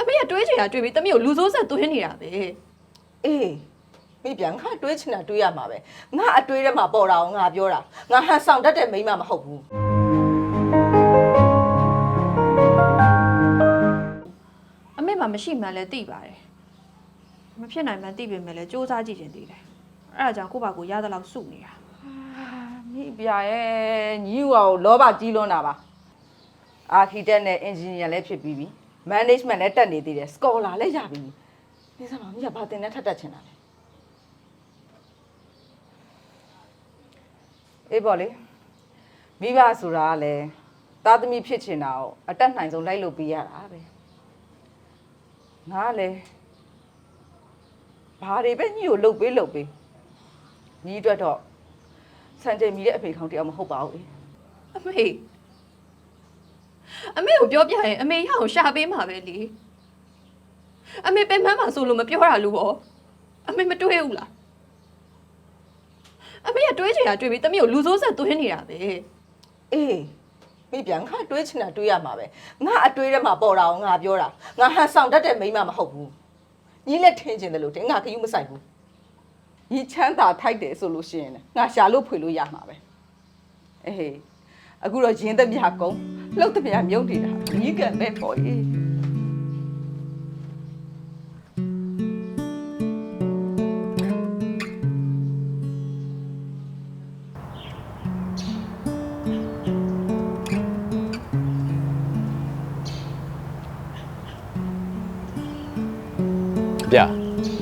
အမေကတွေးချင်တာတွေးပြီးတမီးကိုလူဆိုးဆက်သွင်းနေတာပဲအေးမိပြန်ငါတွေးချင်တာတွေးရမှာပဲငါအတွေးထဲမှာပေါ်တာအောင်ငါပြောတာငါဟန်ဆောင်တတ်တဲ့မိန်းမမဟုတ်ဘူးအမေမှမရှိမှန်းလဲသိပါတယ်မဖြစ်နိုင်မှန်းသိပေမဲ့လဲစူးစမ်းကြည့်ခြင်းသိတယ်အဲ့ဒါကြောင့်ကိုယ့်ဘာကိုရသလောက်စုနေတာမိပြရဲ့ညီဦးအောင်လောဘကြီးလွန်းတာပါအာခီတက်နဲ့အင်ဂျင်နီယာလည်းဖြစ်ပြီးပြီ management လည်းတက်နေသေးတယ် scholar လည်းရပြီနေစမ်းမမိကဘာတင်နဲ့ထပ်တက်ချင်တာလဲအေးပေါ့လေမိဘဆိုတာကလည်းသားသမီးဖြစ်ချင်တာကိုအတက်နိုင်ဆုံးလိုက်လုပ်ပေးရတာပဲငါကလည်းဘာတွေပဲညီကိုလှုပ်ပေးညီအတွက်တော့စံချိန်မီတဲ့အဖေခေါင်းတယောက်မဟုတ်ပါဘူးအမေကိုပြောပြရင်အမေရအောင်ရှာပေးမှာပဲလေအမေပင်မမှာဆိုလို့မပြောတာလို့ပေါ့အမေမတွေးဘူးလားအမေကတွေးချင်တာတွေးပြီးတမီးကိုလူဆိုးဆက်သွင်းနေတာပဲအေးမိပြန်ငါတွေးချင်တာတွေးရမှာပဲငါအတွေးထဲမှာပေါ်တာအောင်ငါပြောတာငါဟန်ဆောင်တတ်တဲ့မိန်းမမဟုတ်ဘူးညီလက်ထင်းချင်တယ်လို့တင်ငါခယူးမဆိုင်ဘူးညီချမ်းသာထိုက်တယ်ဆိုလို့ရှိရင်ငါရှာလို့ဖွေလို့ရမှာပဲအေးအခုတော့ရင်းသမျှကုန်းလှုပ်သမျှမြုပ်နေတာညီကပဲပေါ့အေးဗျာ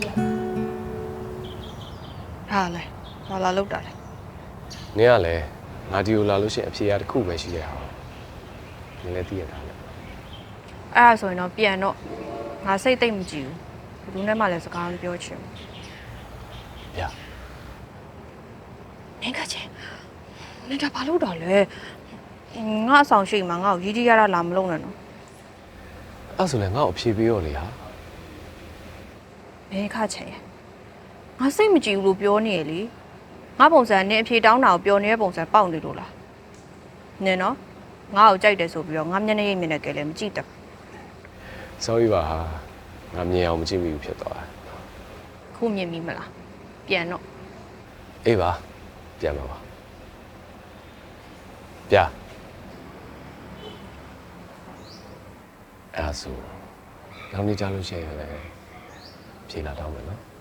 ဟာလေဘာလာလောက်တာလဲနင်ကလည်းငါဒီကိုလာလို့ရှိရင်အဖြေအတစ်ခုပဲရှိရအောင်နင်လည်းသိရတာလေအဲ့ဒါဆိုရင်တော့ပြန်တော့ငါစိတ်သိမ့်မကြည့်ဘူးဘယ်သူနဲ့မှလည်းစကားမပြောချင်ဘူးဗျာနင်ကချင်းနင်ကဘာလို့တော့လဲငါအဆောင်ရှိမှငါ့ကိုရီးကြီးရတာလာမလုပ်နဲ့နော်အဲ့ဆိုလည်းငါ့ကိုအဖြေပေးရောလေဟာဘယ်ခါချင်ငါစိတ်မကြည့်ဘူးလို့ပြောနေရလေငါပုံစံနဲ့အဖြေတောင်းတာကိုပြောနေတဲ့ပုံစံပေါက်နေလို့လားနင်နော်ငါ့ကိုကြိုက်တယ်ဆိုပြီးတော့ငါမျက်နှာရိပ်မျက်နှာကလေးမကြည့်တတ် sorry ပါဟာငါမြင်အောင်မကြည့်မိဘူးဖြစ်သွားတယ်ခုမြင်ပြီမလားပြန်တော့အေးပါပြန်ပါပါဗျာအဲ့ဆိုနောက်နေ့ကြားလို့ရှိရင်လည်းဖြေလာတော့မယ်နော်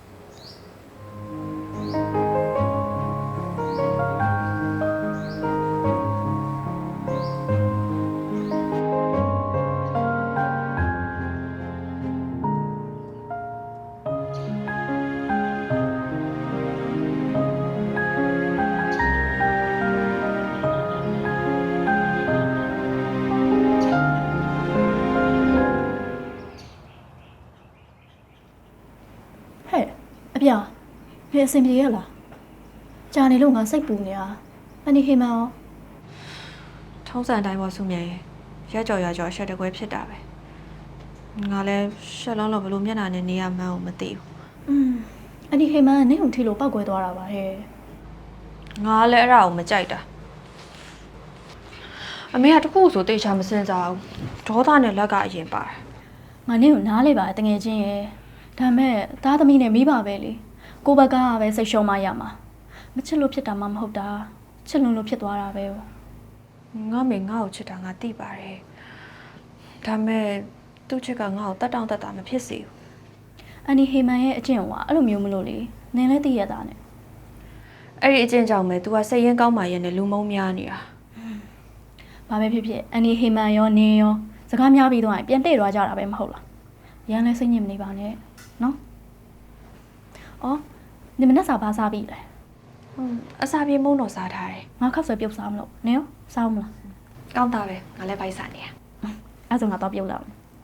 အပြဖယ်အဆင်ပြေရလားကြာနေလို့ငါစိတ်ပူနေတာအနီဟေမန်ရောထုံးစံတိုင်းပေါ်စုမြဲရကြော်အရှက်တကွဲဖြစ်တာပဲငါလည်းရှက်လုံးလို့ဘလို့မျက်နှာနဲ့နေရမှန်းကိုမသိဘူးအနီဟေမန်ကနင့်ကိုထိလို့ပောက်ကွဲသွားတာပါဟဲ့ငါလည်းအဲ့ဒါကိုမကြိုက်တာအမေကတခုဆိုတေချာမစင်စားဘူးဒေါသနဲ့လက်ကအရင်ပါတယ်ငါနင့်ကိုနားလေပါတငယ်ချင်းရဲ့ဒါမဲ့သားသမီးနဲ့မိဘပဲလေကိုဘက်ကပဲစိတ်ရှုံးမရမှာမချစ်လို့ဖြစ်တာမှမဟုတ်တာချစ်လို့ဖြစ်သွားတာပဲငါမေငါ့ကိုချစ်တာငါသိပါတယ်ဒါမဲ့သူ့ချစ်ကငါ့ကိုတတ်တောင့်တတ်တာမဖြစ်စေဘူးအန်နီဟေမန်ရဲ့အကျင့်ကအဲ့လိုမျိုးမလို့လေနင်လည်းသိရတာနဲ့အဲ့ဒီအကျင့်ကြောင့်ပဲ तू ကစိတ်ရင်းကောင်းမှရဲ့နဲ့လူမုန်းများနေတာဘာပဲဖြစ်ဖြစ်အန်နီဟေမန်ရောနင်ရောစကားများပြီးတော့ပြန်တဲ့သွားကြတာပဲမဟုတ်လားရန်လဲစိတ်ညစ်မနေပါနဲ့နော်အော်ဒီမနက်စာဘာစားပြီလဲအစာပြေမုန်းတော့စားထားတယ်ငါခောက်ဆွဲပြုတ်စားမလို့နင်ရောစားမလားကောင်းတာပဲငါလည်းဘိုက်စားနေရအဲ့ဆိုငါတော့ပြုတ်လာ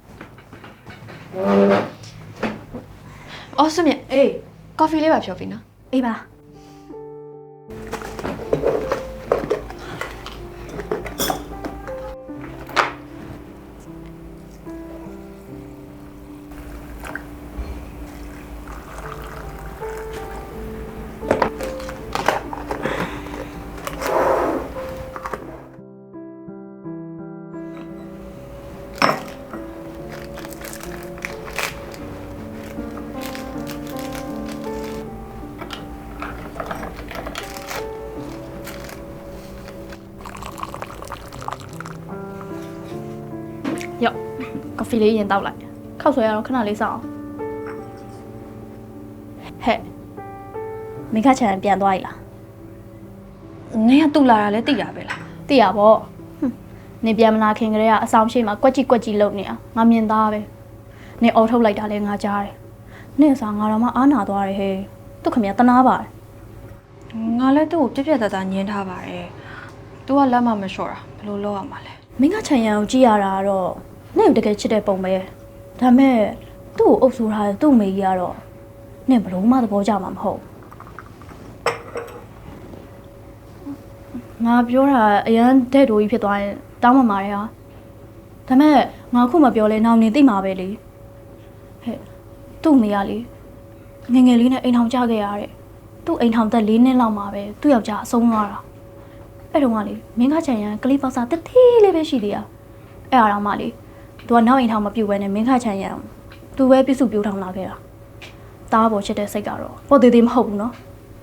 အော်စမြအေးကော်ဖီလေးပါဖြောပြီနော်အေးပါဖီလေးရင်တောက်လိုက်ခောက်ဆွဲရတော့ခဏလေးစောင့်ဟဲ့မိခချန်ပြန်သွား ਈ လားနင်ကတူလာတာလဲသိတာပဲလားသိရပေါ့နင်ပြန်မလာခင်ကလေးကအဆောင်ရှိမှာကွက်ကြီးလုံနေတာငါမြင်သားပဲနင်အော်ထုတ်လိုက်တာလဲငါကြားတယ်နင်စားငါတော့မှအားနာသွားတယ်ဟဲ့သူခမရတနာပါတယ်ငါလည်းသူ့ကိုပြက်ပြက်သားသားညင်းထားပါတယ်။ तू ကလက်မမလျှော့တာဘယ်လိုလုပ်ရမှာလဲမင်းကချန်ရန်ကိုကြည့်ရတာကတော့နင့်ကိုတကယ်ချစ်တဲ့ပုံပဲဒါမဲ့သူ့ကိုအုပ်ဆိုးထားတဲ့သူ့မေကြီးကတော့နင့်ဘလို့မှသဘောကျမှာမဟုတ်ငါပြောတာအရန်တဲ့တိုးကြီးဖြစ်သွားရင်တောင်းပန်ပါတယ်ဟာဒါမဲ့ငါခုမပြောလဲနောက်နေသိမှာပဲလေဟဲ့သူ့မေကလေငယ်ငယ်လေးနဲ့အိမ်ထောင်ကြခဲ့ရတဲ့သူ့အိမ်ထောင်သက်4နှစ်လောက်မှာပဲသူ့ယောက်ျားအဆုံးသွားတာအဲ့တုန်းကလေမင်းကချန်ရန်ကလေးပေါက်စားတသေးလေးပဲရှိသေးတာအဲ့အားတော့မှလေသူကနောက်အိမ်ထောင်မပြုတ်ဘဲနဲ့မင်းခချန်ရန်သူပဲပြစ်စုပြိုးထောင်လာခဲ့တာတားပေါ်ချစ်တဲ့စိတ်ကတော့ပေါ်သေးသေးမဟုတ်ဘူးနော်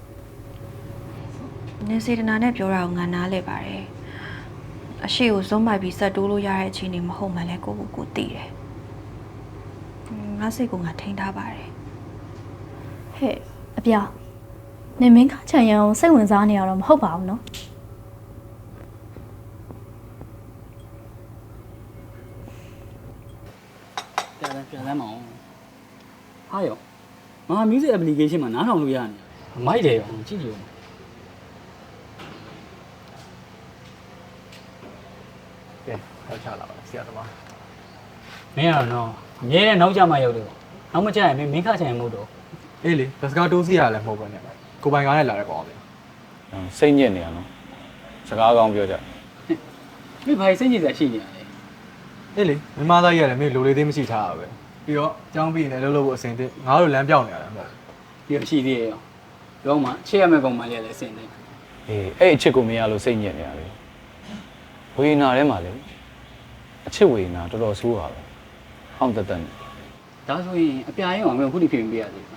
။နင်စေတနာနဲ့ပြောတာကိုငါနားလဲပါတယ်။အရှိကိုဇုံးပိုက်ပြီးဆက်တိုးလို့ရတဲ့အချိန်နေမဟုတ်မှလည်းကိုသိတယ်။ငါစိတ်ကငါထိန်းထားပါတယ်ဟဲ့အပြာနင်မင်းခချန်ရန်ကိုစိတ်ဝင်စားနေရတော့မဟုတ်ပါဘူးနော်ပြန်လမ်းမအောင်ဟာရောငါ music application မှာနားထောင်လို့ရနေမိုက်တယ်ရောကြည့်ကြည့်ကဲထောက်ချလာပါဆရာသမားမင်းကတော့အမြဲတမ်းနောက်ကျမှရောက်တယ်ပေါ့နောက်မကျရင်မင်းခချင်ရင်မဟုတ်တော့အေးလေဘတ်စကားတိုးစီရလည်းမဟုတ်ပါနဲ့ကိုပိုင်ကားနဲ့လာတဲ့ကောင်ပဲစိတ်ညစ်နေရနော်စကားကောင်းပြောကြမင်းဘာစိတ်ညစ်စရာရှိနေရလဲအေးလေမမသားကြီးရတယ်မင်းလိုလေးသေးမရှိထားတာပဲပြီးတော့အကြောင်းပြီးရင်လည်းလှုပ်လို့ဖို့အစင်တစ်ငါတို့လမ်းပြောင်းနေရတယ်မဟုတ်ဒီရှိသေးရဲ့ရောတော့မှချစ်ရမယ့်ကောင်မလေးလည်းအစင်တယ်အေးအဲ့အချစ်ကိုမရလို့စိတ်ညစ်နေရလေဝေနာထဲမှာလေအချစ်ဝေနာတော်တော်ဆိုးပါပဲဟောင်းတက်တက်နေဒါဆိုရင်အပြာရင်ကမင်းအခုထိပြင်ပေးရသေးတယ်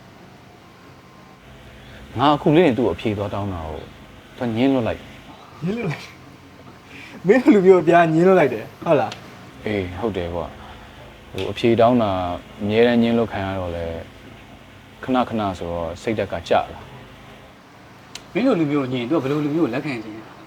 ငါအခုလေးနေသူ့ကိုအဖြေသွားတောင်းတာကိုသူညင်းလွတ်လိုက်ညင်းလို့လိုက်မင်းလူမျိုးအပြားညင်းလို့လိုက်တယ်ဟုတ်လားအေးဟုတ်တယ်ကွာဟိုအဖြေတောင်းတာအများတန်းညင်းလွတ်ခံရတော့လေခဏခဏဆိုတော့စိတ်ဓာတ်ကကြလာမင်းတို့လူမျိုးညင်သူကဘယ်လိုလူမျိုးကိုလက်ခံချင်လဲ